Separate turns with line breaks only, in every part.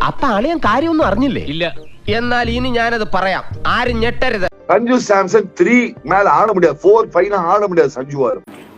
അപ്പൊ അളിയൻ കാര്യമൊന്നും അറിഞ്ഞില്ലേ? ഇല്ല. എന്നാൽ ഇനി ഞാനത് പറയാം, ആരും ഞെട്ടരുത്.
സഞ്ജു സാംസൺ 3 மேல ஆட முடியாது, 4, 5 ஆட முடியாது சஞ்சுவார்.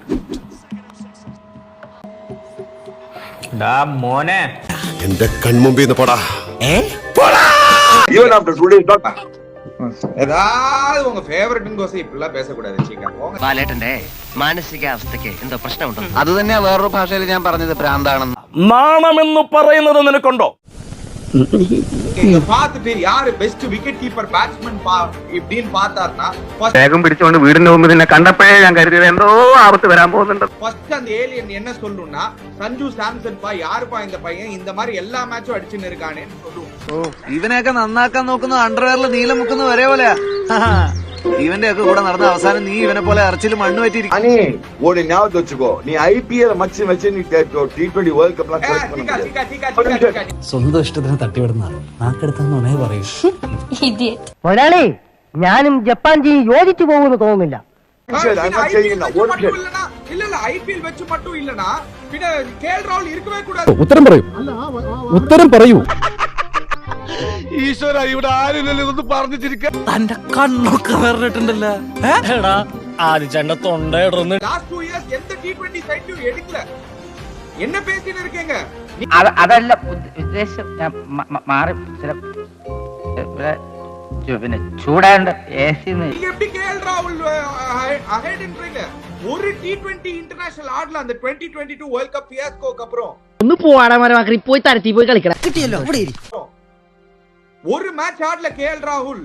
മോനെ
എന്റെ കൺമുമ്പിൽ നിന്ന് പോടാ.
Even after 2 days not.
ஏதாவது உங்க ஃபேவரட்னு கோசம் இப்படிலாம் பேசக்கூடாது சீக்கா.
ബാലേട്ടന്റെ മാനസികാവസ്ഥയ്ക്ക് എന്തോ പ്രശ്നമുണ്ടോ?
അത് തന്നെയാ വേറൊരു ഭാഷയിൽ ഞാൻ പറഞ്ഞത് ഭ്രാന്താണെന്ന്.
നാണമെന്ന് പറയുന്നത് നിനക്കുണ്ടോ?
இங்க பாத்துட்டு யாரு பெஸ்ட் விக்கெட் கீப்பர் பேட்ஸ்மேன் இப்படின்னு பார்த்தாருன்னா
വേഗം പിടിച്ചുകൊണ്ട് വീടിന്റെ മുമ്പ് നിന്നെ കണ്ടപ്പോഴേ ഞാൻ കരുതിയത് എന്തോ ആപത്ത് വരാൻ പോകുന്നുണ്ട്.
ஃபர்ஸ்ட் அந்த ஏலியன் என்ன சொல்லும்னா சஞ்சு சாம்சன் பா யாருப்பா இந்த பையன் இந்த மாதிரி எல்லா மேட்சும் அடிச்சுன்னு இருக்கானேன்னு சொல்லுவோம்.
ഇവനെയൊക്കെ നന്നാക്കാൻ നോക്കുന്നത് അണ്ടർവെയറിൽ നീലം മുക്കുന്ന ഒരേ പോലെയാ. ഇവന്റെ ഒക്കെ കൂടെ നടന്ന അവസാനം നീ ഇവനെ പോലെ അറച്ചിൽ മണ്ണ് പറ്റിയിരിക്കും.
அனி ஒரு ஞாபகம் வச்சுக்கோ, நீ ஐபிஎல் மச்சி வச்சு நீ T20 வேர்ல்ட் கப்லாம் செலக்ட் பண்ண முடியாது.
സ്വന്തം ഇഷ്ടത്തിന് തട്ടിവിടുന്ന നാക്കെടുത്താന്നേ പറയൂ.
മുതലാളി, ഞാനും ജപ്പാൻജി യോജിച്ചു പോകുമെന്ന് തോന്നുന്നില്ല.
இல்ல ஐபிஎல் வச்சு மட்டும் இல்லனா பின்ன கேஎல் ராகுல் இருக்கவே கூடாது.
ഉത്തരം പറയൂ, ഉത്തരം പറയൂ.
ഈശ്വര, ഇവിടെ ആരില്ലല്ലോ ഇതൊന്നും പറഞ്ഞിരിക്ക.
തന്റെ കണ്ണൊക്കെ വേറിട്ടുണ്ടല്ലോ. ആദ്യ തൊണ്ടയിടന്ന്
லாஸ்ட் 2 இயர்ஸ் எந்த T20 സൈറ്റും എടുക്കல. என்ன பேசிட்டு இருக்கீங்க?
അതല്ല ഉദ്ദേശം, ഞാൻ മാറി പിന്നെ ചൂടാണ്ട്
நீங்க எப்படி கேஎல் ராகுல் அஹெட்ன்றீங்க? ஒரு T20 இன்டர்நேஷனல் ஆடல அந்த 2022 வேர்ல்ட் கப் ஃபியாஸ்கோக்கு அப்புறம்.
ഒന്ന് പോവാടാ മരമാക്കി, പോയി തരത്തി പോയി കളിക്കണം. കിട്ടിയല്ലോ, ഇവിടെ ഇരി.
ஒரு மேட்ச் ஆடல கேஎல் ராகுல்.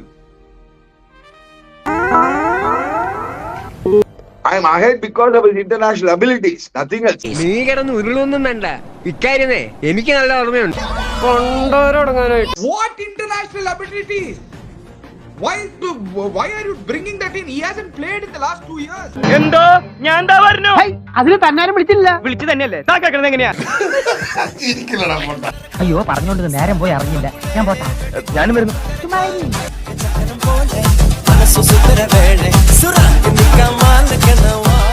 I am ahead because of his international abilities, nothing else.
നീ കിടന്ന് ഉരുളൊന്നും വേണ്ട, ഇക്കാര്യമേ എനിക്ക് നല്ല ഓർമ്മയുണ്ട്. കൊണ്ടോരടങ്ങാനായിട്ട്.
What international abilities? Why are you bringing that in? He hasn't played in the last 2 years.
എന്തോ ഞാൻ എന്താ പറഞ്ഞു?
അതിന് തന്നാരും വിളിച്ചില്ല.
വിളിച്ചു തന്നെയല്ലേ താക്കാക്കണത്? എങ്ങനെയാ?
അയ്യോ, പറഞ്ഞോണ്ട് നേരം പോയി അറിഞ്ഞില്ല. ഞാൻ പോട്ടാ,
ഞാനും വരുന്നു.
മനസ്സു സുന്ദര വേളെ സുറാ